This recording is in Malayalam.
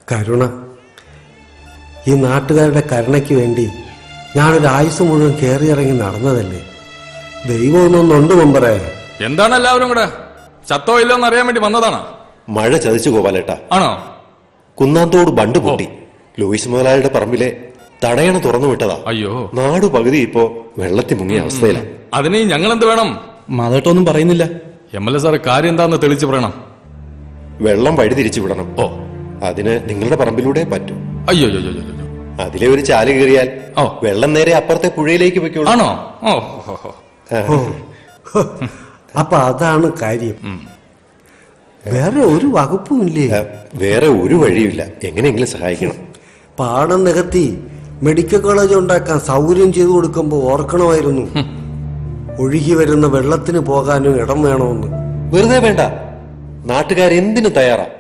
കരുണ. ഈ നാട്ടുകാരുടെ കരുണയ്ക്ക് വേണ്ടി ഞാനൊരു ആയുസ് മുഴുവൻ കയറിയിറങ്ങി നടന്നതല്ലേ. ദൈവം ഒന്നൊന്നുണ്ട് മെമ്പറേ. എന്താണ് എല്ലാവരും കൂടെ? ചത്തോ ഇല്ലോന്ന് അറിയാൻ വേണ്ടി വന്നതാണ്. മഴ ചതിച്ചു ഗോപാലേട്ടാ. ആണോ? കുന്നാന്തോട് ബണ്ട് പൊട്ടി. ലൂയിസ് മുതലാളിയുടെ പറമ്പിലെ തടയണ തുറന്നു വിട്ടതാ. അയ്യോ, നാടു പകുതി ഇപ്പോ വെള്ളത്തിൽ മുങ്ങിയ അവസ്ഥയിലാണ്. അതിന് ഞങ്ങൾ എന്ത് വേണം? മാധവട്ടൊന്നും പറയുന്നില്ല. MLA സാറ് കാര്യം എന്താന്ന് തെളിച്ചു പറയണം. വെള്ളം വഴി തിരിച്ചു വിടണം. ഓ, അതിന് നിങ്ങളുടെ പറമ്പിലൂടെ പറ്റൂ. അയ്യോ, അതിലെ ഒരു ചാല് കയറിയാൽ ഓ, വെള്ളം നേരെ അപ്പുറത്തെ പുഴയിലേക്ക് വെക്കുള്ളൂ. ആണോ? ഓ, അപ്പൊ അതാണ് കാര്യം. വേറെ ഒരു വകുപ്പും ഇല്ലേ? വേറെ ഒരു വഴിയില്ല. എങ്ങനെയെങ്കിലും സഹായിക്കണം. പാടം നികത്തി മെഡിക്കൽ കോളേജ് ഉണ്ടാക്കാൻ സൗകര്യം ചെയ്തു കൊടുക്കുമ്പോ ഓർക്കണമായിരുന്നു ഒഴുകി വരുന്ന വെള്ളത്തിന് പോകാനും ഇടം വേണമെന്ന്. വെറുതെ വേണ്ട. നാട്ടുകാരെന്തിനു തയ്യാറാ.